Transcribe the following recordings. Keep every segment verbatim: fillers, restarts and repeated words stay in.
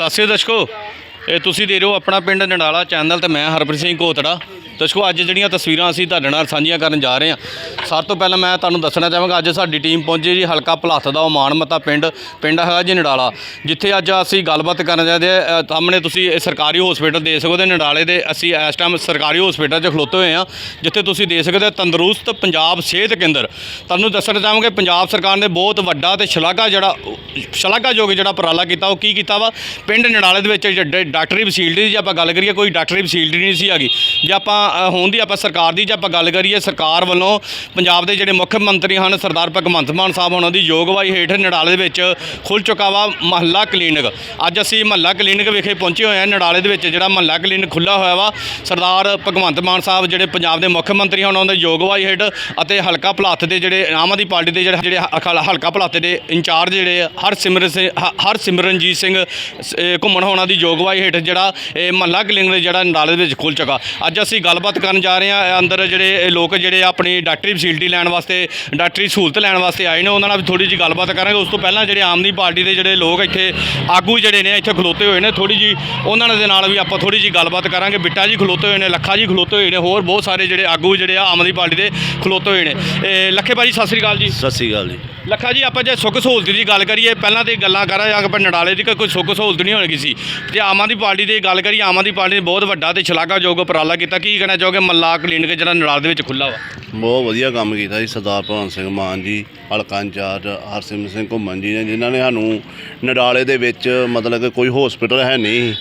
ਸਤਿ ਸ਼੍ਰੀ ਅਕਾਲ ਦਰਸ਼ਕੋ, ਇਹ ਤੁਸੀਂ ਦੇ ਰਹੇ ਹੋ ਆਪਣਾ ਪਿੰਡ ਨਡਾਲਾ ਚੈਨਲ ਤੇ ਮੈਂ ਹਰਪ੍ਰੀਤ ਸਿੰਘ ਕੋਤੜਾ। ਦਰਸ਼ਕੋ, ਅੱਜ ਜਿਹੜੀਆਂ ਤਸਵੀਰਾਂ ਅਸੀਂ ਤੁਹਾਡੇ ਨਾਲ ਸਾਂਝੀਆਂ ਕਰਨ ਜਾ ਰਹੇ ਹਾਂ, ਸਭ ਤੋਂ ਪਹਿਲਾਂ ਮੈਂ ਤੁਹਾਨੂੰ ਦੱਸਣਾ ਚਾਹਾਂਗਾ ਅੱਜ ਸਾਡੀ ਟੀਮ ਪਹੁੰਚੀ ਜੀ ਹਲਕਾ ਭਲੱਥ ਦਾ ਉਹ ਮਾਨਮਤਾ ਪਿੰਡ ਪਿੰਡ ਹੈਗਾ ਜੀ ਨਡਾਲਾ, ਜਿੱਥੇ ਅੱਜ ਅਸੀਂ ਗੱਲਬਾਤ ਕਰਨ ਜਾਂਦੇ ਹਾਂ। ਸਾਹਮਣੇ ਤੁਸੀਂ ਇਹ ਸਰਕਾਰੀ ਹਸਪੀਟਲ ਦੇ ਸਕਦੇ ਹੋ ਨਡਾਲੇ ਦੇ। ਅਸੀਂ ਇਸ ਟਾਈਮ ਸਰਕਾਰੀ ਹਸਪੀਟਲ 'ਚ ਖਲੋਤੇ ਹੋਏ ਹਾਂ, ਜਿੱਥੇ ਤੁਸੀਂ ਦੇ ਸਕਦੇ ਹੋ ਤੰਦਰੁਸਤ ਪੰਜਾਬ ਸਿਹਤ ਕੇਂਦਰ। ਤੁਹਾਨੂੰ ਦੱਸਣਾ ਚਾਹਾਂਗੇ ਪੰਜਾਬ ਸਰਕਾਰ ਨੇ ਬਹੁਤ ਵੱਡਾ ਤੇ ਸ਼ਲਾਘਾ ਜਿਹੜਾ ਸ਼ਲਾਘਾਯੋਗ ਜਿਹੜਾ ਉਪਰਾਲਾ ਕੀਤਾ। ਉਹ ਕੀ ਕੀਤਾ ਵਾ, ਪਿੰਡ ਨਡਾਲੇ ਦੇ ਵਿੱਚ ਡਾਕਟਰੀ ਫੈਸਿਲਿਟੀ ਦੀ ਜੇ ਆਪਾਂ ਗੱਲ ਕਰੀਏ, ਕੋਈ ਡਾਕਟਰੀ ਫੈਸਿਲਿਟੀ ਨਹੀਂ ਸੀ ਹੈਗੀ। ਜੇ ਆਪਾਂ ਹੁਣ ਦੀ ਆਪਾਂ ਸਰਕਾਰ ਦੀ ਜੇ ਆਪਾਂ ਗੱਲ ਕਰੀਏ, ਸਰਕਾਰ ਵੱਲੋਂ ਪੰਜਾਬ ਦੇ ਜਿਹੜੇ ਮੁੱਖ ਮੰਤਰੀ ਹਨ ਸਰਦਾਰ ਭਗਵੰਤ ਮਾਨ ਸਾਹਿਬ ਉਹਨਾਂ ਦੀ ਯੋਗਵਾਈ ਹੇਠ ਨਡਾਲੇ ਦੇ ਵਿੱਚ ਖੁੱਲ੍ਹ ਚੁੱਕਾ ਵਾ ਮਹੱਲਾ ਕਲੀਨਿਕ। ਅੱਜ ਅਸੀਂ ਮਹੱਲਾ ਕਲੀਨਿਕ ਵਿਖੇ ਪਹੁੰਚੇ ਹੋਏ ਹਾਂ। ਨਡਾਲੇ ਦੇ ਵਿੱਚ ਜਿਹੜਾ ਮਹੱਲਾ ਕਲੀਨਿਕ ਖੁੱਲ੍ਹਾ ਹੋਇਆ ਵਾ, ਸਰਦਾਰ ਭਗਵੰਤ ਮਾਨ ਸਾਹਿਬ ਜਿਹੜੇ ਪੰਜਾਬ ਦੇ ਮੁੱਖ ਮੰਤਰੀ ਹਨ ਉਹਨਾਂ ਦੀ ਯੋਗਵਾਈ ਹੇਠ, ਅਤੇ ਹਲਕਾ ਭਲੱਥ ਦੇ ਜਿਹੜੇ ਆਮ ਆਦਮੀ ਪਾਰਟੀ ਦੇ ਜਿਹੜੇ ਜਿਹੜੇ ਹਲਕਾ ਭਲੱਥ ਦੇ ਇੰਚਾਰਜ ਜਿਹੜੇ ਹਰਸਿਮਰਨ ਸਿੰਘ ਹਰਸਿਮਰਨਜੀਤ ਸਿੰਘ ਘੁੰਮਣ ਹੋਣਾ ਦੀ ਯੋਗਵਾਈ ਹੇਠ ਜਿਹੜਾ ਇਹ ਮਹੱਲਾ ਕਲੀਨਿਕ ਜਿਹੜਾ ਨਡਾਲੇ ਦੇ ਵਿੱਚ ਖੁੱਲ੍ਹ ਚੁੱਕਾ। ਅੱਜ ਅਸੀਂ ਗੱਲਬਾਤ ਕਰਨ ਜਾ ਰਹੇ ਹਾਂ। ਅੰਦਰ ਜਿਹੜੇ ਲੋਕ ਜਿਹੜੇ ਆਪਣੀ ਡਾਕਟਰੀ ਫੈਸਿਲਿਟੀ ਲੈਣ ਵਾਸਤੇ, ਡਾਕਟਰੀ ਸਹੂਲਤ ਲੈਣ ਵਾਸਤੇ ਆਏ ਨੇ, ਉਹਨਾਂ ਨਾਲ ਵੀ ਥੋੜ੍ਹੀ ਜਿਹੀ ਗੱਲਬਾਤ ਕਰਾਂਗੇ। ਉਸ ਤੋਂ ਪਹਿਲਾਂ ਜਿਹੜੇ ਆਮ ਆਦਮੀ ਪਾਰਟੀ ਦੇ ਜਿਹੜੇ ਲੋਕ ਇੱਥੇ ਆਗੂ ਜਿਹੜੇ ਨੇ ਇੱਥੇ ਖਲੋਤੇ ਹੋਏ ਨੇ, ਥੋੜ੍ਹੀ ਜਿਹੀ ਉਹਨਾਂ ਦੇ ਨਾਲ ਵੀ ਆਪਾਂ ਥੋੜ੍ਹੀ ਜਿਹੀ ਗੱਲਬਾਤ ਕਰਾਂਗੇ। ਬਿੱਟਾ ਜੀ ਖਲੋਤੇ ਹੋਏ ਨੇ, ਲੱਖਾ ਜੀ ਖਲੋਤੇ ਹੋਏ ਨੇ, ਹੋਰ ਬਹੁਤ ਸਾਰੇ ਜਿਹੜੇ ਆਗੂ ਜਿਹੜੇ ਆ ਆਮ ਆਦਮੀ ਪਾਰਟੀ ਦੇ ਖਲੋਤੇ ਹੋਏ ਨੇ। ਇਹ ਲੱਖੇ ਭਾਜੀ ਸਤਿ ਸ਼੍ਰੀ ਅਕਾਲ ਜੀ। ਸਤਿ ਸ਼੍ਰੀ ਅਕਾਲ ਜੀ। ਲੱਖਾ ਜੀ, ਆਪਾਂ ਜੇ ਸੁੱਖ ਸਹੂਲਤ ਦੀ ਗੱਲ ਕਰੀਏ, ਪਹਿਲਾਂ ਤਾਂ ਗੱਲਾਂ ਕਰਾਂਗੇ ਆਪਾਂ ਨਡਾਲੇ ਦੀ ਕੋਈ ਸੁੱਖ ਸਹੂਲਤ ਨਹੀਂ ਹੋਣੀ ਸੀ। ਜੇ ਆਮ ਆਦਮੀ ਪਾਰਟੀ ਦੀ ਗੱਲ ਕਰੀਏ, ਆਮ ਆਦਮੀ ਪਾਰਟੀ ਨੇ ਬਹੁਤ ਵੱਡਾ ਤੇ ਸ਼ਲਾਘਾਯੋਗ ਉਪਰਾਲਾ ਕੀਤਾ। ਕੀ ਕਹਿਣਾ ਚਾਹੋਗੇ ਮਹੱਲਾ ਕਲੀਨਿਕ ਜਿਹੜਾ ਨਡਾਲੇ ਦੇ ਵਿੱਚ ਖੁੱਲ੍ਹਾ ਵਾ? ਬਹੁਤ ਵਧੀਆ ਕੰਮ ਕੀਤਾ ਜੀ ਸਰਦਾਰ ਭਗਵੰਤ ਸਿੰਘ ਮਾਨ ਜੀ, ਹਲਕਾ ਇੰਚਾਰਜ ਹਰਸਿਮਰਨ ਸਿੰਘ ਘੁੰਮਣ ਜੀ ਨੇ, ਜਿਨ੍ਹਾਂ ਨੇ ਸਾਨੂੰ ਨਡਾਲੇ ਦੇ ਵਿੱਚ ਮਤਲਬ ਕਿ ਕੋਈ ਹਸਪੀਟਲ ਹੈ ਨਹੀਂ,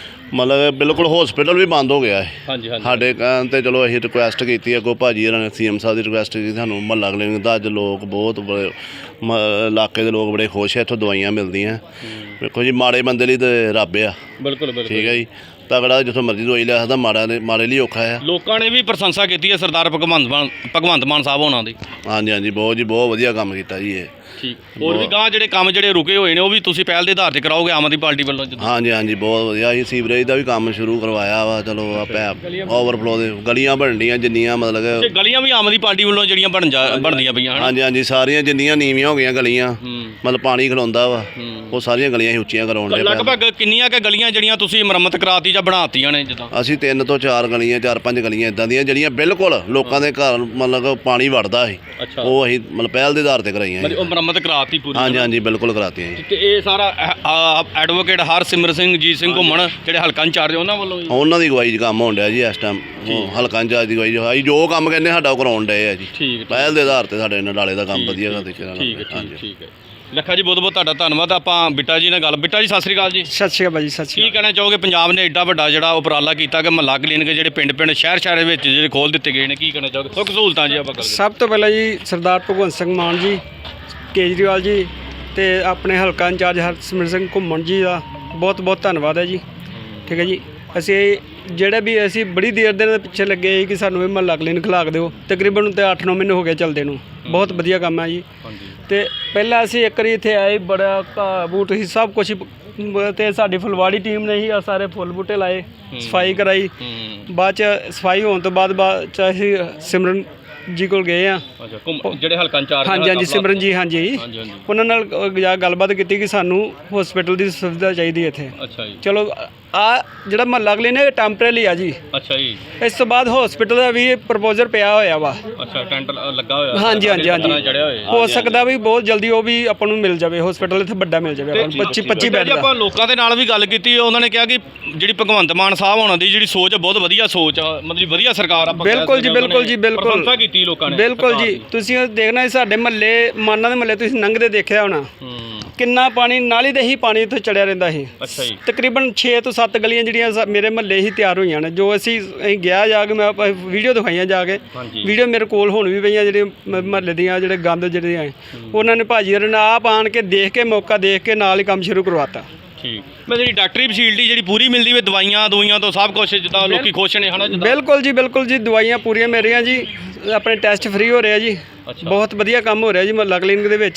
ਮਤਲਬ ਬਿਲਕੁਲ ਹਸਪੀਟਲ ਵੀ ਬੰਦ ਹੋ ਗਿਆ ਹੈ। ਹਾਂਜੀ ਹਾਂਜੀ। ਸਾਡੇ ਕਹਿਣ 'ਤੇ ਚਲੋ ਅਸੀਂ ਰਿਕੁਐਸਟ ਕੀਤੀ, ਅੱਗੋਂ ਭਾਜੀ ਹੋਰਾਂ ਨੇ ਸੀ ਐਮ ਸਾਹਿਬ ਦੀ ਰਿਕੁਐਸਟ ਕੀਤੀ ਸਾਨੂੰ ਮਹੱਲਾ ਕਲੀਨਿਕ ਦਾ। ਅੱਜ ਲੋਕ ਬਹੁਤ ਬੜੇ ਮ ਇਲਾਕੇ ਦੇ ਲੋਕ ਬੜੇ ਖੁਸ਼ ਹੈ, ਇੱਥੋਂ ਦਵਾਈਆਂ ਮਿਲਦੀਆਂ। ਵੇਖੋ ਜੀ, ਮਾੜੇ ਬੰਦੇ ਲਈ ਤਾਂ ਰੱਬ ਆ। ਬਿਲਕੁਲ ਬਿਲਕੁਲ ਠੀਕ ਹੈ ਜੀ। ਤਗੜਾ ਜਿੱਥੋਂ ਮਰਜ਼ੀ ਦਵਾਈ ਲੈ ਸਕਦਾ, ਮਾੜਾ ਨੇ ਮਾੜੇ ਲਈ ਔਖਾ ਆ। ਲੋਕਾਂ ਨੇ ਵੀ ਪ੍ਰਸ਼ੰਸਾ ਕੀਤੀ ਹੈ ਸਰਦਾਰ ਭਗਵੰਤ ਮਾਨ ਭਗਵੰਤ ਮਾਨ ਸਾਹਿਬ ਹੋਣਾ ਦੀ। ਹਾਂਜੀ ਹਾਂਜੀ, ਬਹੁਤ ਜੀ ਬਹੁਤ ਵਧੀਆ ਕੰਮ ਕੀਤਾ ਜੀ ਇਹ। ਠੀਕ। ਹੋਰ ਵੀ ਗਾਂ ਜਿਹੜੇ ਕੰਮ ਜਿਹੜੇ ਰੁਕੇ ਹੋਏ ਨੇ ਉਹ ਵੀ ਤੁਸੀਂ ਪਹਿਲ ਦੇ ਆਧਾਰ ਤੇ ਕਰਾਓਗੇ ਆਮ ਆਦਮੀ ਪਾਰਟੀ ਵੱਲੋਂ? ਹਾਂਜੀ ਹਾਂਜੀ, ਬਹੁਤ ਵਧੀਆ। ਅਸੀਂ ਸੀਵਰੇਜ ਦਾ ਵੀ ਕੰਮ ਸ਼ੁਰੂ ਕਰਵਾਇਆ ਵਾ। ਚਲੋ ਆਪੇ ਓਵਰਫਲੋ ਦੇ ਗਲੀਆਂ ਬਣਨੀਆਂ ਜਿੰਨੀਆਂ ਮਤਲਬ ਕਿ ਗਲੀਆਂ ਵੀ ਆਮ ਆਦਮੀ ਪਾਰਟੀ ਵੱਲੋਂ ਜਿਹੜੀਆਂ ਬਣ ਜਾ ਬਣਦੀਆਂ ਪਈਆਂ। ਹਾਂਜੀ ਹਾਂਜੀ, ਸਾਰੀਆਂ ਜਿੰਨੀਆਂ ਨੀਵੀਆਂ ਹੋ ਗਈਆਂ ਗਲੀਆਂ, ਮਤਲਬ ਪਾਣੀ ਖਲੋਂਦਾ ਵਾ, ਉਹ ਸਾਰੀਆਂ ਗਲੀਆਂ ਹੀ ਉੱਚੀਆਂ ਕਰਾਉਣ ਦੇ। ਲਗਭਗ ਕਿੰਨੀਆਂ ਕੁ ਗਲੀਆਂ ਜਿਹੜੀਆਂ ਤੁਸੀਂ ਮੁਰੰਮਤ ਕਰਾਤੀ ਜਾਂ ਬਣਾਤੀਆਂ ਨੇ? ਜਿੱਦਾਂ ਅਸੀਂ ਤਿੰਨ ਤੋਂ ਚਾਰ ਗਲੀਆਂ, ਚਾਰ ਪੰਜ ਗਲੀਆਂ ਇਦਾਂ ਦੀਆਂ ਜਿਹੜੀਆਂ ਬਿਲਕੁਲ ਲੋਕਾਂ ਦੇ ਘਰ ਮਤਲਬ ਪਾਣੀ ਵੜਦਾ ਸੀ, ਉਹ ਅਸੀਂ ਮਤਲਬ ਪਹਿਲ ਦੇ ਆਧਾਰ ਤੇ ਕਰਾਈਆਂ। ਉਹ ਮੁਰੰਮਤ ਕਰਾਤੀ ਪੂਰੀ? ਹਾਂਜੀ ਹਾਂਜੀ, ਬਿਲਕੁਲ ਕਰਾਤੀਆਂ ਜੀ। ਤੇ ਇਹ ਸਾਰਾ ਐਡਵੋਕੇਟ ਹਰਸਿਮਰਨ ਸਿੰਘ ਜੀਤ ਸਿੰਘ ਘੁੰਮਣ ਜਿਹੜੇ ਹਲਕਾ ਇੰਚਾਰਜ ਉਹਨਾਂ ਵੱਲੋਂ ਉਹਨਾਂ ਦੀ ਅਗਵਾਈ 'ਚ ਕੰਮ ਹੋਣ ਡਿਆ ਜੀ ਇਸ ਟਾਈਮ। ਹਲਕਾ ਇੰਚਾਰਜ ਦੀ ਅਗਵਾਈ ਅਸੀਂ ਜੋ ਕੰਮ ਕਹਿੰਦੇ ਸਾਡਾ ਉਹ ਕਰਾਉਣ ਡਏ ਆ ਜੀ। ਠੀਕ। ਪਹਿਲ ਦੇ ਆਧਾਰ ਤੇ ਸਾਡੇ ਨਡਾਲੇ ਦਾ ਕੰਮ ਵਧੀਆ ਤਰੀਕੇ ਨਾਲ। ਠੀਕ ਹੈ ਠੀਕ ਹੈ। ਲੱਖਾ ਜੀ, ਬਹੁਤ ਬਹੁਤ ਤੁਹਾਡਾ ਧੰਨਵਾਦ। ਆਪਾਂ ਬਿੱਟਾ ਜੀ ਨਾਲ ਗੱਲ। ਬਿੱਟਾ ਜੀ ਸਤਿ ਸ਼੍ਰੀ ਅਕਾਲ ਜੀ। ਸਤਿ ਸ਼੍ਰੀ ਅਕਾਲ ਭਾਜੀ। ਸਤਿ ਸ਼੍ਰੀ ਕੀ ਕਹਿਣਾ ਚਾਹੋਗੇ, ਪੰਜਾਬ ਨੇ ਐਡਾ ਵੱਡਾ ਜਿਹੜਾ ਉਪਰਾਲਾ ਕੀਤਾ ਕਿ ਮਹੱਲਾ ਕਲੀਨਿਕ ਜਿਹੜੇ ਪਿੰਡ ਪਿੰਡ ਸ਼ਹਿਰ ਸ਼ਹਿਰ ਵਿੱਚ ਜਿਹੜੇ ਖੋਲ੍ਹ ਦਿੱਤੇ ਗਏ ਨੇ, ਕੀ ਕਹਿਣਾ ਚਾਹੋਗੇ? ਸੁੱਖ ਸਹੂਲਤਾਂ ਜੀ ਆਪਾਂ ਸਭ ਤੋਂ ਪਹਿਲਾਂ ਜੀ ਸਰਦਾਰ ਭਗਵੰਤ ਸਿੰਘ ਮਾਨ ਜੀ, ਕੇਜਰੀਵਾਲ ਜੀ ਤੇ ਆਪਣੇ ਹਲਕਾ ਇੰਚਾਰਜ ਹਰਸਿਮਰਨ ਸਿੰਘ ਘੁੰਮਣ ਜੀ ਦਾ ਬਹੁਤ ਬਹੁਤ ਧੰਨਵਾਦ ਹੈ ਜੀ। ਠੀਕ ਹੈ ਜੀ। ਅਸੀਂ ਜਿਹੜੇ ਵੀ ਅਸੀਂ ਬੜੀ ਦੇਰ ਦੇ ਪਿੱਛੇ ਲੱਗੇ ਸੀ ਕਿ ਸਾਨੂੰ ਇਹ ਮਹੱਲਾ ਕਲੀਨਿਕ ਖੁਲਾ ਕੇ ਦਿਓ। ਤਕਰੀਬਨ ਤੇ ਅੱਠ ਨੌ ਮਹੀਨੇ ਹੋ ਗਏ ਚੱਲਦੇ ਨੂੰ। ਬਹੁਤ ਵਧੀਆ ਕੰਮ ਹੈ ਜੀ। ਤੇ ਪਹਿਲਾਂ ਅਸੀਂ ਇੱਕ ਵਾਰੀ ਇੱਥੇ ਆਏ, ਬੜਾ ਘਾਹ ਬੂਟ ਸੀ, ਸਭ ਕੁਛ, ਤੇ ਸਾਡੀ ਫੁਲਵਾੜੀ ਟੀਮ ਨੇ ਹੀ ਆ ਸਾਰੇ ਫੁੱਲ ਬੂਟੇ ਲਾਏ, ਸਫਾਈ ਕਰਾਈ। ਬਾਅਦ 'ਚ ਸਫਾਈ ਹੋਣ ਤੋਂ ਬਾਅਦ ਬਾਅਦ 'ਚ ਅਸੀਂ ਸਿਮਰਨ ਜੀ ਕੋਲ ਗਏ ਆ, ਜਿਹੜੇ ਹਲਕਾ ਇੰਚਾਰਜ। ਹਾਂਜੀ ਹਾਂਜੀ, ਸਿਮਰਨ ਜੀ। ਹਾਂਜੀ, ਉਹਨਾਂ ਨਾਲ ਜਾ ਗੱਲਬਾਤ ਕੀਤੀ ਕਿ ਸਾਨੂੰ ਹਸਪੀਟਲ ਦੀ ਸੁਵਿਧਾ ਚਾਹੀਦੀ ਇੱਥੇ। ਅੱਛਾ ਜੀ। ਚਲੋ, ਆ ਜਿਹੜਾ ਮਹੱਲਾ ਕਲੀਨਿਕ ਟੈਂਪਰੇਰੀ ਆ ਜੀ। ਅੱਛਾ ਜੀ। ਇਸ ਤੋਂ ਬਾਅਦ ਹਸਪੀਟਲ ਦਾ ਵੀ ਪ੍ਰਪੋਜ਼ਲ ਪਿਆ ਹੋਇਆ ਵਾ। ਅੱਛਾ, ਟੈਂਟ ਲੱਗਾ ਹੋਇਆ? ਹਾਂਜੀ ਹਾਂਜੀ ਹਾਂਜੀ। ਹੋ ਸਕਦਾ ਵੀ ਬਹੁਤ ਜਲਦੀ ਉਹ ਵੀ ਆਪਾਂ ਨੂੰ ਮਿਲ ਜਾਵੇ, ਹਸਪੀਟਲ ਇੱਥੇ ਵੱਡਾ ਮਿਲ ਜਾਵੇ ਆਪਾਂ ਨੂੰ, ਪੱਚੀ ਪੱਚੀ ਬੈੱਡ ਦਾ। ਆਪਾਂ ਲੋਕਾਂ ਦੇ ਨਾਲ ਵੀ ਗੱਲ ਕੀਤੀ, ਉਹਨਾਂ ਨੇ ਕਿਹਾ ਕਿ ਜਿਹੜੀ ਭਗਵੰਤ ਮਾਨ ਸਾਹਿਬ ਹੋਣਾ ਦੀ ਜਿਹੜੀ ਸੋਚ ਬਹੁਤ ਵਧੀਆ ਸੋਚ ਆ, ਮਤਲਬ ਵਧੀਆ ਸਰਕਾਰ ਆ। ਬਿਲਕੁਲ ਜੀ, ਬਿਲਕੁਲ ਜੀ, ਬਿਲਕੁਲ ਪ੍ਰਸ਼ੰਸਾ ਕੀਤੀ ਲੋਕਾਂ ਨੇ। ਬਿਲਕੁਲ ਜੀ। ਤੁਸੀਂ ਦੇਖਣਾ ਸਾਡੇ ਮਹੱਲੇ, ਮਾਨਾਂ ਦੇ ਮਹੱਲੇ ਤੁਸੀਂ ਲੰਘਦੇ ਦੇਖਿਆ ਹੋਣਾ, ਕਿੰਨਾ ਪਾਣੀ ਨਾਲੀ ਦੇ ਹੀ ਪਾਣੀ ਇੱਥੇ ਚੜਿਆ ਰਹਿੰਦਾ ਸੀ। ਅੱਛਾ ਜੀ। ਤਕਰੀਬਨ ਛੇ ਤੋਂ ਸੱਤ ਗਲੀਆਂ ਜਿਹੜੀਆਂ ਮੇਰੇ ਮਹੱਲੇ ਹੀ ਤਿਆਰ ਹੋਈਆਂ ਨੇ, ਜੋ ਅਸੀਂ ਅਸੀਂ ਗਿਆ ਜਾ ਕੇ, ਮੈਂ ਵੀਡੀਓ ਦਿਖਾਈਆਂ ਜਾ ਕੇ, ਵੀਡੀਓ ਮੇਰੇ ਕੋਲ ਹੁਣ ਵੀ ਪਈਆਂ, ਜਿਹੜੇ ਮਹੱਲੇ ਦੀਆਂ ਜਿਹੜੇ ਗੰਦ ਜਿਹੜੇ ਆ, ਉਹਨਾਂ ਨੇ ਭਾਜੀ ਹੋਰਾਂ ਨੇ ਆਪ ਆਣ ਕੇ ਦੇਖ ਕੇ, ਮੌਕਾ ਦੇਖ ਕੇ ਨਾਲ ਹੀ ਕੰਮ ਸ਼ੁਰੂ ਕਰਵਾਤਾ। ਠੀਕ। ਮੈਂ ਜਿਹੜੀ ਡਾਕਟਰੀ ਫੈਸਿਲਿਟੀ ਜਿਹੜੀ ਪੂਰੀ ਮਿਲਦੀ ਵੇ, ਦਵਾਈਆਂ ਦਵਾਈਆਂ ਤੋਂ ਸਭ ਕੁਛ, ਜਿੱਦਾਂ ਲੋਕੀ ਖੁਸ਼ ਨੇ ਹਨਾ? ਬਿਲਕੁਲ ਜੀ, ਬਿਲਕੁਲ ਜੀ, ਦਵਾਈਆਂ ਪੂਰੀਆਂ ਮਿਲ ਰਹੀਆਂ ਜੀ, ਆਪਣੇ ਟੈਸਟ ਫ੍ਰੀ ਹੋ ਰਹੇ ਆ ਜੀ। ਬਹੁਤ ਵਧੀਆ ਕੰਮ ਹੋ ਰਿਹਾ ਜੀ ਮਹੱਲਾ ਕਲੀਨਿਕ ਦੇ ਵਿੱਚ ਹੀ।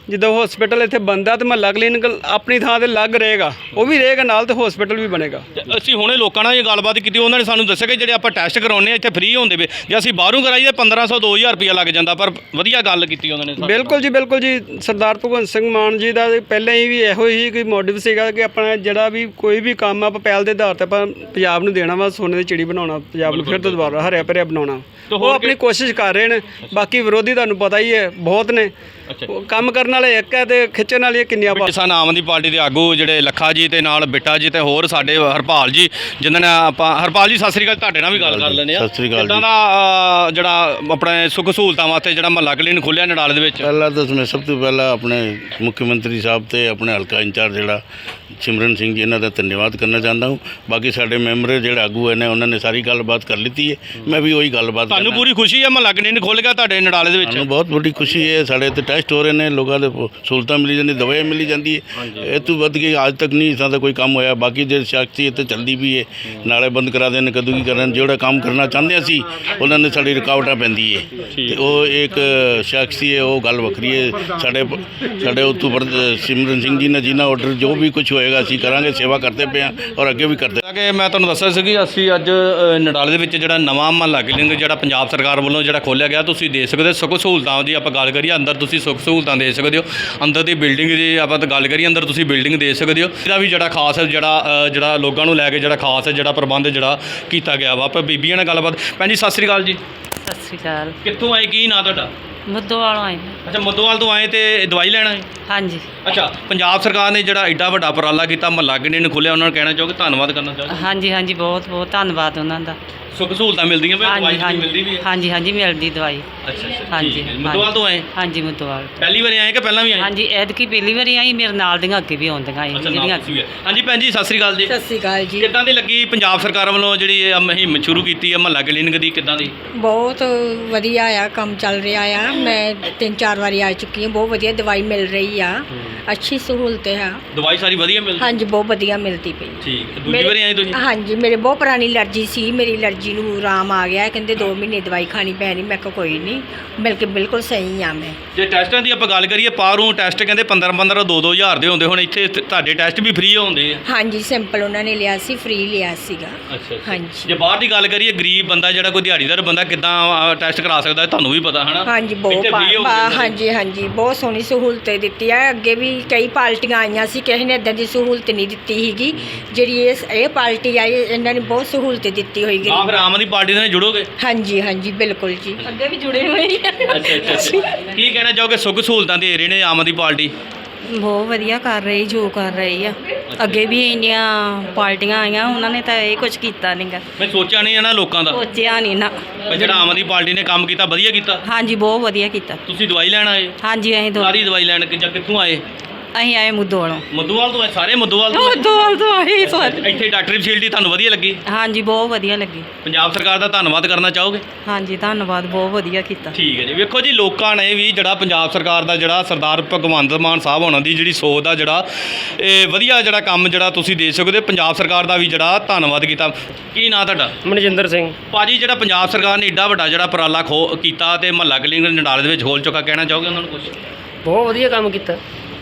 ਜਿੱਦਾਂ ਹਸਪੀਟਲ ਇੱਥੇ ਬੰਦਾ ਤੇ ਮਹੱਲਾ ਕਲੀਨਿਕ ਆਪਣੀ ਥਾਂ ਤੇ ਲੱਗ ਰਹੇਗਾ, ਉਹ ਵੀ ਰਹੇਗਾ ਨਾਲ ਤੇ ਹਸਪੀਟਲ ਵੀ ਬਣੇਗਾ। ਤੇ ਅਸੀਂ ਹੁਣੇ ਲੋਕਾਂ ਨਾਲ ਇਹ ਗੱਲਬਾਤ ਕੀਤੀ, ਉਹਨਾਂ ਨੇ ਸਾਨੂੰ ਦੱਸਿਆ ਕਿ ਜਿਹੜੇ ਆਪਾਂ ਟੈਸਟ ਕਰਾਉਂਦੇ ਆ ਇੱਥੇ ਫ੍ਰੀ ਹੁੰਦੇ ਵੇ, ਜੇ ਅਸੀਂ ਬਾਹਰੋਂ ਕਰਾਈਏ ਪੰਦਰਾਂ ਸੌ ਦੋ ਹਜ਼ਾਰ ਰੁਪਇਆ ਲੱਗ ਜਾਂਦਾ, ਪਰ ਵਧੀਆ ਗੱਲ ਕੀਤੀ ਉਹਨਾਂ ਨੇ। ਬਿਲਕੁਲ ਜੀ, ਬਿਲਕੁਲ ਜੀ। ਸਰਦਾਰ ਭਗਵੰਤ ਸਿੰਘ ਮਾਨ ਜੀ ਦਾ ਪਹਿਲਾਂ ਹੀ ਵੀ ਇਹੋ ਹੀ ਕੋਈ ਮੋਟਿਵ ਸੀਗਾ ਕਿ ਆਪਣਾ ਜਿਹੜਾ ਵੀ ਕੋਈ ਵੀ ਕੰਮ ਆਪਾਂ ਪਹਿਲ ਦੇ ਆਧਾਰ ਤੇ ਆਪਾਂ ਪੰਜਾਬ ਨੂੰ ਦੇਣਾ ਵਾ, ਸੋਨੇ ਦੀ ਚਿੜੀ ਬਣਾਉਣਾ, ਪੰਜਾਬ ਨੂੰ ਫਿਰ ਤੋਂ ਦੁਬਾਰਾ ਹਰਿਆ ਭਰਿਆ ਬਣਾਉਣਾ। ਉਹ ਆਪਣੀ ਕੋਸ਼ਿਸ਼ ਕਰ ਰਹੇ ਨੇ, ਬਾਕੀ ਵਿਰੋਧੀ ਤੁਹਾਨੂੰ ਪਤਾ ਹੀ ਹੈ ਬਹੁਤ ਨੇ। ਉਹ ਕੰਮ ਕਰਨ ਵਾਲੇ ਇੱਕ ਹੈ ਤੇ ਖਿੱਚਣ ਵਾਲੀਆਂ ਕਿੰਨੀਆਂ। ਕਿਸਾਨ ਆਮ ਆਦਮੀ ਪਾਰਟੀ ਦੇ ਆਗੂ ਜਿਹੜੇ ਲੱਖਾ ਜੀ ਤੇ ਨਾਲ ਬਿੱਟਾ ਜੀ ਤੇ ਹੋਰ ਸਾਡੇ ਹਰਪਾਲ ਜੀ, ਜਿਨ੍ਹਾਂ ਨੇ ਆਪਾਂ ਹਰਪਾਲ ਜੀ ਸਤਿ ਸ੍ਰੀ ਅਕਾਲ, ਤੁਹਾਡੇ ਨਾਲ ਵੀ ਗੱਲ ਕਰ ਲੈਂਦੇ ਆ। ਸਤਿ ਸ੍ਰੀ ਅਕਾਲ ਕਿੱਦਾਂ ਦਾ ਅ, ਜਿਹੜਾ ਆਪਣੇ ਸੁੱਖ ਸਹੂਲਤਾਂ ਵਾਸਤੇ ਜਿਹੜਾ ਮਹੱਲਾ ਕਲੀਨਿਕ ਖੋਲ੍ਹਿਆ ਨਡਾਲੇ ਦੇ ਵਿੱਚ? ਪਹਿਲਾਂ ਤਾਂ ਮੈਂ ਸਭ ਤੋਂ ਪਹਿਲਾਂ ਆਪਣੇ ਮੁੱਖ ਮੰਤਰੀ ਸਾਹਿਬ ਤੇ ਆਪਣੇ ਹਲਕਾ ਇੰਚਾਰਜ ਜਿਹੜਾ ਸਿਮਰਨ ਸਿੰਘ ਜੀ, ਇਹਨਾਂ ਦਾ ਧੰਨਵਾਦ ਕਰਨਾ ਚਾਹੁੰਦਾ ਹਾਂ। ਬਾਕੀ ਸਾਡੇ ਮੈਂਬਰ ਜਿਹੜੇ ਆਗੂ ਨੇ ਉਹਨਾਂ ਨੇ ਸਾਰੀ ਗੱਲਬਾਤ ਕਰ ਲਿੱਤੀ ਹੈ, ਮੈਂ ਵੀ ਉਹੀ ਗੱਲਬਾਤ ਤੁਹਾਨੂੰ ਕਰਨਾ। ਪੂਰੀ ਖੁਸ਼ੀ ਹੈ ਮਹੱਲਾ ਕਲੀਨਿਕ ਖੁੱਲ੍ਹ ਗਿਆ ਤੁਹਾਡੇ ਨਡਾਲੇ ਦੇ ਵਿੱਚ? ਸਾਨੂੰ ਬਹੁਤ ਵੱਡੀ ਖੁਸ਼ੀ ਹੈ, ਸਾਡੇ ਇੱਥੇ ਟੈਸਟ ਹੋ ਰਹੇ ਨੇ, ਲੋਕਾਂ ਦੇ ਸਹੂਲਤਾਂ ਮਿਲੀ ਜਾਂਦੀ, ਦਵਾਈਆਂ ਮਿਲੀ ਜਾਂਦੀ ਹੈ। ਇਹ ਤੋਂ ਵੱਧ ਕੇ ਅੱਜ ਤੱਕ ਨਹੀਂ ਇਸਾਂ ਦਾ ਕੋਈ ਕੰਮ ਹੋਇਆ। ਬਾਕੀ ਜੇ ਸ਼ਖਸੀ ਇੱਥੇ ਚੱਲਦੀ ਵੀ ਹੈ, ਨਾਲੇ ਬੰਦ ਕਰਾ ਦੇਣ, ਕਦੋਂ ਕੀ ਕਰਨ, ਜਿਹੜਾ ਕੰਮ ਕਰਨਾ ਚਾਹੁੰਦੇ ਅਸੀਂ ਉਹਨਾਂ ਨੇ ਸਾਡੀ ਰੁਕਾਵਟਾਂ ਪੈਂਦੀ ਹੈ, ਤੇ ਉਹ ਇੱਕ ਸ਼ਖਸੀ ਹੈ, ਉਹ ਗੱਲ ਵੱਖਰੀ ਹੈ। ਸਾਡੇ ਸਾਡੇ ਉੱਤੋਂ ਸਿਮਰਨ ਸਿੰਘ ਜੀ ਨੇ ਜਿੰਨਾ ਆਰਡਰ ਜੋ ਵੀ ਕੁਝ ਹੋਏਗਾ ਅਸੀਂ ਕਰਾਂਗੇ, ਸੇਵਾ ਕਰਦੇ ਪਏ ਹਾਂ ਔਰ ਅੱਗੇ ਵੀ ਕਰਦੇ। ਕਿ ਮੈਂ ਤੁਹਾਨੂੰ ਦੱਸਿਆ ਸੀ ਕਿ ਅਸੀਂ ਅੱਜ ਅ, ਨਡਾਲੇ ਦੇ ਵਿੱਚ ਜਿਹੜਾ ਨਵਾਂ ਮਹੱਲਾ ਕਲੀਨਿਕ ਜਿਹੜਾ ਪੰਜਾਬ ਸਰਕਾਰ ਵੱਲੋਂ ਜਿਹੜਾ ਖੋਲ੍ਹਿਆ ਗਿਆ, ਤੁਸੀਂ ਦੇ ਸਕਦੇ ਹੋ। ਸੁੱਖ ਸਹੂਲਤਾਂ ਦੀ ਆਪਾਂ ਗੱਲ ਕਰੀਏ, ਅੰਦਰ ਤੁਸੀਂ ਸੁੱਖ ਸਹੂਲਤਾਂ ਦੇ ਸਕਦੇ ਹੋ। ਅੰਦਰ ਦੀ ਬਿਲਡਿੰਗ ਦੀ ਆਪਾਂ ਤਾਂ ਗੱਲ ਕਰੀਏ, ਅੰਦਰ ਤੁਸੀਂ ਬਿਲਡਿੰਗ ਦੇ ਸਕਦੇ ਹੋ। ਇਹਦਾ ਵੀ ਜਿਹੜਾ ਖਾਸ ਹੈ, ਜਿਹੜਾ ਅ, ਜਿਹੜਾ ਲੋਕਾਂ ਨੂੰ ਲੈ ਕੇ ਜਿਹੜਾ ਖਾਸ ਹੈ ਜਿਹੜਾ ਪ੍ਰਬੰਧ ਜਿਹੜਾ ਕੀਤਾ ਗਿਆ ਵਾ। ਆਪਾਂ ਬੀਬੀਆਂ ਨਾਲ ਗੱਲਬਾਤ। ਭੈਣ ਜੀ ਸਤਿ ਸ੍ਰੀ ਅਕਾਲ ਜੀ। ਸਤਿ ਸ਼੍ਰੀ ਅਕਾਲ। ਕਿੱਥੋਂ ਆਏ, ਕੀ ਨਾਂ ਤੁਹਾਡਾ? ਮੁੱਦੋਵਾਲੋਂ ਆਏ ਨੇ। ਅੱਛਾ, ਮੁੱਦੋਵਾਲ ਤੋਂ ਆਏ ਤੇ ਦਵਾਈ ਲੈਣ ਆਏ? ਹਾਂਜੀ ਅੱਛਾ, ਪੰਜਾਬ ਸਰਕਾਰ ਨੇ ਜਿਹੜਾ ਐਡਾ ਵੱਡਾ ਉਪਰਾਲਾ ਕੀਤਾ, ਮਹੱਲਾ ਕਲੀਨਿਕ ਖੋਲ੍ਹਿਆ, ਉਹਨਾਂ ਨੂੰ ਕਹਿਣਾ ਚਾਹੋਗੇ, ਧੰਨਵਾਦ ਕਰਨਾ ਚਾਹੋਗੇ? ਹਾਂਜੀ ਹਾਂਜੀ ਬਹੁਤ ਬਹੁਤ ਧੰਨਵਾਦ ਉਹਨਾਂ ਦਾ। ਸੁੱਖ ਸਹੂਲਤਾਂ ਮਿਲਦੀਆਂ ਪਈਆਂ, ਦਵਾਈ ਹਾਂਜੀ ਮਿਲਦੀ ਵੀ ਹਾਂਜੀ ਹੈ? ਹਾਂਜੀ ਹਾਂਜੀ ਮਿਲਦੀ ਦਵਾਈ। ਅੱਛਾ ਅੱਛਾ, ਹਾਂਜੀ ਠੀਕ ਹੈ। ਮੁੱਦੋਵਾਲ ਤੋਂ ਆਏ? ਹਾਂਜੀ ਮੁੱਦੋਵਾਲ। ਪਹਿਲੀ ਵਾਰੀ ਆਏ ਕਿ ਪਹਿਲਾਂ ਵੀ ਆਏ? ਹਾਂਜੀ ਐਤਕੀ ਪਹਿਲੀ ਵਾਰੀ ਆਈ, ਮੇਰੇ ਨਾਲ ਦੀਆਂ ਅੱਗੇ ਵੀ ਆਉਂਦੀਆਂ ਆਈ ਅੱਛਾ, ਜਿਹੜੀਆਂ। ਨਾਲ ਤੁਸੀਂ ਵੀ ਆਏ। ਹਾਂਜੀ ਭੈਣ ਜੀ ਸਤਿ ਸ੍ਰੀ ਅਕਾਲ ਜੀ। ਸਤਿ ਸ਼੍ਰੀ ਅਕਾਲ ਜੀ। ਕਿੱਦਾਂ ਦੀ ਲੱਗੀ ਪੰਜਾਬ ਸਰਕਾਰ ਵੱਲੋਂ ਜਿਹੜੀ ਇਹ ਮੁਹਿੰਮ ਸ਼ੁਰੂ ਕੀਤੀ ਹੈ ਮਹੱਲਾ ਕਲੀਨਿਕ ਦੀ, ਕਿੱਦਾਂ ਦੀ? ਬਹੁਤ ਵਧੀਆ ਆ, ਕੰਮ ਚੱਲ ਰਿਹਾ ਆ। ਮੈਂ ਤਿੰਨ ਚਾਰ ਵਾਰੀ ਆ ਚੁੱਕੀ ਹਾਂ। ਬਹੁਤ ਵਧੀਆ ਦਵਾਈ ਮਿਲ ਰਹੀ ਆ, ਅੱਛੀ ਸਹੂਲਤ ਆ। ਦਵਾਈ ਸਾਰੀ ਵਧੀਆ ਮਿਲਦੀ? ਹਾਂਜੀ ਬਹੁਤ ਵਧੀਆ ਮਿਲਦੀ ਪਈ। ਠੀਕ ਹੈ। ਦੂਜੀ ਮੇਰੇ- ਵਾਰੀ ਆਏ ਤੁਸੀਂ? ਹਾਂਜੀ ਮੇਰੇ ਬਹੁਤ ਪੁਰਾਣੀ ਅਲਰਜੀ ਸੀ, ਮੇਰੀ ਅਲਰਜੀ ਨੂੰ ਆਰਾਮ ਆ ਗਿਆ। ਕਹਿੰਦੇ ਦੋ ਮਹੀਨੇ ਦਵਾਈ ਖਾਣੀ ਪੈਣੀ। ਮੈਂ ਕਿਹਾ ਕੋਈ ਨਹੀਂ, ਮਿਲ ਕੇ ਬਿਲਕੁਲ ਸਹੀ ਆ ਮੈਂ। ਜੇ ਟੈਸਟਾਂ ਦੀ ਆਪਾਂ ਗੱਲ ਕਰੀਏ, ਬਾਹਰੋਂ ਟੈਸਟ ਕਹਿੰਦੇ ਪੰਦਰਾਂ ਪੰਦਰਾਂ ਦੋ ਦੋ ਹਜ਼ਾਰ ਦੇ ਹੁੰਦੇ, ਹੁਣ ਇੱਥੇ ਤ- ਤੁਹਾਡੇ ਟੈਸਟ ਵੀ ਫ੍ਰੀ ਹੁੰਦੇ ਆ? ਹਾਂਜੀ ਸਿੰਪਲ ਉਹਨਾਂ ਨੇ ਲਿਆ ਸੀ, ਫ੍ਰੀ ਲਿਆ ਸੀਗਾ। ਅੱਛਾ ਹਾਂਜੀ ਜੇ ਬਾਹਰ ਦੀ ਗੱਲ ਕਰੀਏ, ਗਰੀਬ ਬੰਦਾ ਜਿਹੜਾ ਕੋਈ ਦਿਹਾੜੀਦਾਰ ਬੰਦਾ ਕਿੱਦਾਂ ਟੈਸਟ ਕਰਾ ਸਕਦਾ ਹੈ, ਤੁਹਾਨੂੰ ਵੀ ਪਤਾ ਹੈ ਨਾ? ਹਾਂਜੀ ਬਹੁਤ ਇੱਥੇ free ਹੋ ਪਾ- ਜਾਂਦਾ। ਹਾਂਜੀ ਹਾਂਜੀ ਬਹੁਤ ਸੋਹਣੀ ਸਹੂਲਤ ਦਿੱਤੀ ਹੈ। ਅੱਗੇ ਵੀ ਕਈ ਪਾਰਟੀਆਂ ਆਈਆਂ ਸੀ, ਕਿਸੇ ਨੇ ਇਦਾਂ ਦੀ ਸਹੂਲਤ ਨਹੀਂ ਦਿੱਤੀ ਸੀਗੀ। ਜਿਹੜੀ ਇਹ ਇਹ ਪਾਰਟੀ ਆਈ, ਇਹਨਾਂ ਨੇ ਬਹੁਤ ਸਹੂਲਤ ਦਿੱਤੀ ਹੋਈ ਆ ਫਿਰ ਆਮ ਆਦਮੀ ਪਾਰਟੀ ਨਾਲ ਜੁੜੋਗੇ? ਹਾਂਜੀ ਹਾਂਜੀ ਬਿਲਕੁਲ ਜੀ, ਅੱਗੇ ਵੀ ਜੁੜੇ ਹੋਏ ਆ। ਅੱਛਾ ਅੱਛਾ ਅੱਛਾ। ਕੀ ਕਹਿਣਾ ਚਾਹੋਗੇ, ਸੁੱਖ ਸਹੂਲਤਾਂ ਦੇ ਰਹੇ ਨੇ ਆਮ ਆਦਮੀ ਪਾਰਟੀ? ਬਹੁਤ ਵਧੀਆ ਕਰ ਰਹੀ, ਜੋ ਕਰ ਰਹੀ ਆ। ਅੱਗੇ ਵੀ ਇੰਨੀਆਂ ਪਾਰਟੀਆਂ ਆਈਆਂ, ਉਹਨਾਂ ਨੇ ਤਾਂ ਇਹ ਕੁਝ ਕੀਤਾ ਨਹੀਂਗਾ। ਮੈਂ ਸੋਚਿਆ ਨਹੀਂ ਇਹਨਾਂ ਲੋਕਾਂ ਦਾ, ਸੋਚਿਆ ਨਹੀਂ ਨਾ। ਪਰ ਜਿਹੜਾ ਆਮ ਆਦਮੀ ਪਾਰਟੀ ਨੇ ਕੰਮ ਕੀਤਾ, ਵਧੀਆ ਕੀਤਾ। ਹਾਂਜੀ ਬਹੁਤ ਵਧੀਆ ਕੀਤਾ। ਤੁਸੀਂ ਦਵਾਈ ਲੈਣ ਆਏ? ਹਾਂਜੀ ਅਸੀਂ ਦੋ ਸਾਰੀ ਦਵਾਈ ਲੈਣ ਕਿ ਜਾਂ ਕਿੱਥੋਂ ਆਏ? ਅਸੀਂ ਆਏ ਮੁੱਦੋਵਾਲੋਂ। ਮੱਧੂਵਾਲ ਤੋਂ ਆਏ? ਸਾਰੇ ਮੱਧੂਵਾਲ ਤੋਂ ਆਏ? ਮੁੱਦੋਵਾਲ ਤੋਂ ਆਏ ਸਾਰੇ। ਇੱਥੇ ਡਾਕਟਰੀ ਫੈਸਿਲਿਟੀ ਤੁਹਾਨੂੰ ਵਧੀਆ ਲੱਗੀ? ਹਾਂਜੀ ਬਹੁਤ ਵਧੀਆ ਲੱਗੀ। ਪੰਜਾਬ ਸਰਕਾਰ ਦਾ ਧੰਨਵਾਦ ਕਰਨਾ ਚਾਹੋਗੇ? ਹਾਂਜੀ ਧੰਨਵਾਦ, ਬਹੁਤ ਵਧੀਆ ਕੀਤਾ। ਠੀਕ ਹੈ ਜੀ। ਵੇਖੋ ਜੀ, ਲੋਕਾਂ ਨੇ ਵੀ ਜਿਹੜਾ ਪੰਜਾਬ ਸਰਕਾਰ ਦਾ ਜਿਹੜਾ ਸਰਦਾਰ ਭਗਵੰਤ ਮਾਨ ਸਾਹਿਬ ਹੋਣਾ ਦੀ ਜਿਹੜੀ ਸੋਚ ਦਾ ਜਿਹੜਾ ਇਹ ਵਧੀਆ ਜਿਹੜਾ ਕੰਮ ਜਿਹੜਾ ਤੁਸੀਂ ਦੇ ਸਕਦੇ ਹੋ, ਪੰਜਾਬ ਸਰਕਾਰ ਦਾ ਵੀ ਜਿਹੜਾ ਧੰਨਵਾਦ ਕੀਤਾ। ਕੀ ਨਾਂ ਤੁਹਾਡਾ? ਮਨਜਿੰਦਰ ਸਿੰਘ। ਭਾਜੀ, ਜਿਹੜਾ ਪੰਜਾਬ ਸਰਕਾਰ ਨੇ ਏਡਾ ਵੱਡਾ ਜਿਹੜਾ ਉਪਰਾਲਾ ਖੋ ਕੀਤਾ ਤੇ ਮਹੱਲਾ ਕਲੀਨਿਕ ਨਡਾਲੇ ਦੇ ਵਿੱਚ ਖੋਲ ਚੁੱਕਾ, ਕਹਿਣਾ ਚਾਹੋਗੇ ਉਹਨਾਂ ਨੂੰ ਕੁਝ? ਬਹੁਤ ਵਧੀਆ ਕੰਮ ਕੀਤਾ।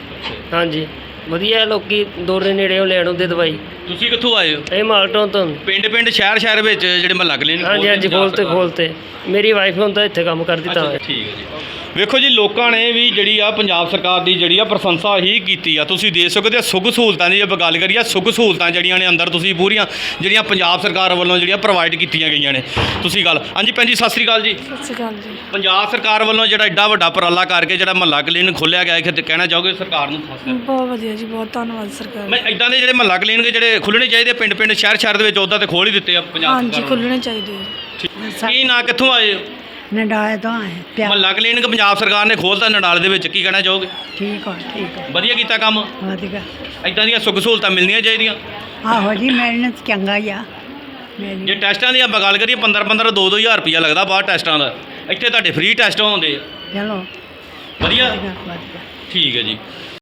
ਹਾਂਜੀ ਵਧੀਆ, ਲੋਕੀ ਦੂਰ ਦੇ ਨੇੜੇ ਲੈਣ ਆਉਂਦੇ ਦਵਾਈ। ਤੁਸੀਂ ਕਿੱਥੋਂ ਆਏ ਹੋ? ਇਹ ਮਾਲਟੋਂ ਤੋਂ। ਪਿੰਡ ਪਿੰਡ ਸ਼ਹਿਰ ਸ਼ਹਿਰ ਵਿੱਚ ਜਿਹੜੇ ਮਹੱਲਾ ਕਲੀਨਿਕ ਹਾਂਜੀ ਹਾਂਜੀ ਖੋਲਤੇ ਖੋਲਤੇ। ਮੇਰੀ ਵਾਈਫ ਹੁਣ ਤਾਂ ਇੱਥੇ ਕੰਮ ਕਰਦੀ ਤਾਂ। ਠੀਕ ਹੈ ਜੀ। ਵੇਖੋ ਜੀ, ਲੋਕਾਂ ਨੇ ਵੀ ਜਿਹੜੀ ਆ ਪੰਜਾਬ ਸਰਕਾਰ ਦੀ ਜਿਹੜੀ ਆ ਪ੍ਰਸ਼ੰਸਾ ਹੀ ਕੀਤੀ ਆ। ਤੁਸੀਂ ਦੇ ਸਕਦੇ ਹੋ ਸੁੱਖ ਸਹੂਲਤਾਂ ਦੀ, ਜੇ ਆਪਾਂ ਗੱਲ ਕਰੀਏ ਸੁੱਖ ਸਹੂਲਤਾਂ ਜਿਹੜੀਆਂ ਨੇ ਅੰਦਰ ਤੁਸੀਂ ਪੂਰੀਆਂ ਜਿਹੜੀਆਂ ਪੰਜਾਬ ਸਰਕਾਰ ਵੱਲੋਂ ਜਿਹੜੀਆਂ ਪ੍ਰੋਵਾਈਡ ਕੀਤੀਆਂ ਗਈਆਂ ਨੇ। ਤੁਸੀਂ ਗੱਲ ਹਾਂਜੀ ਭੈਣ ਜੀ ਸਤਿ ਸ੍ਰੀ ਅਕਾਲ ਜੀ। ਸਤਿ ਸ਼੍ਰੀ ਅਕਾਲ ਜੀ। ਪੰਜਾਬ ਸਰਕਾਰ ਵੱਲੋਂ ਜਿਹੜਾ ਐਡਾ ਵੱਡਾ ਉਪਰਾਲਾ ਕਰਕੇ ਜਿਹੜਾ ਮਹੱਲਾ ਕਲੀਨਿਕ ਖੋਲ੍ਹਿਆ ਗਿਆ, ਇਹ ਕਹਿਣਾ ਚਾਹੋਗੇ ਸਰਕਾਰ ਨੂੰ? ਖਾਸ ਕਰਕੇ ਬਹੁਤ ਵਧੀਆ ਜੀ, ਬਹੁਤ ਧੰਨਵਾਦ ਸਰਕਾਰ। ਮੈਂ ਇਦਾਂ ਦੇ ਜਿਹੜੇ ਮਹੱਲਾ ਕਲੀਨਿਕ ਜਿਹੜੇ ਖੁੱਲ੍ਹਣੇ ਚਾਹੀਦੇ ਪਿੰਡ ਪਿੰਡ ਸ਼ਹਿਰ ਸ਼ਹਿਰ ਦੇ ਵਿੱਚ, ਉੱਦਾਂ ਤੇ ਖੋਲ੍ਹ ਹੀ ਦਿੱਤੇ ਆ ਪੰਜਾਬ ਸਰਕਾਰ ਹਾਂਜੀ ਵੱਲੋਂ। ਖੁੱਲ੍ਹਣੇ ਚਾਹੀਦੇ ਆ। ਕੀ ਨਾਂ, ਕਿੱਥੋਂ ਆਏ ਹੋ? ਨਡਾਲੇ ਤੋਂ ਆਏ ਪਿਆ। ਮਹੱਲਾ ਕਲੀਨਿਕ ਪੰਜਾਬ ਸਰਕਾਰ ਨੇ ਖੋਲ੍ਹਤਾ ਨਡਾਲੇ ਦੇ ਵਿੱਚ, ਕੀ ਕਹਿਣਾ ਚਾਹੋਗੇ? ਠੀਕ ਆ ਠੀਕ ਆ ਵਧੀਆ ਕੀਤਾ ਕੰਮ? ਵਧੀਆ। ਇਦਾਂ ਦੀਆਂ ਸੁੱਖ ਸਹੂਲਤਾਂ ਮਿਲਣੀਆਂ ਚਾਹੀਦੀਆਂ। ਆਹੋ ਜੀ ਮਿਲਣ ਤਾਂ ਚੰਗਾ ਹੀ ਆ। ਮੇਰੀ ਜੇ ਟੈਸਟਾਂ ਦੀ ਆਪਾਂ ਗੱਲ ਕਰੀਏ, ਪੰਦਰਾਂ ਪੰਦਰਾਂ ਦੋ ਦੋ ਹਜ਼ਾਰ ਰੁਪਈਆ ਲੱਗਦਾ ਬਾਹਰ ਟੈਸਟਾਂ ਦਾ, ਇੱਥੇ ਤੁਹਾਡੇ ਫ੍ਰੀ ਟੈਸਟ ਹੁੰਦੇ ਆ। ਚਲੋ ਵਧੀਆ ਵਧੀਆ ਵਧੀਆ। ਠੀਕ ਹੈ ਜੀ।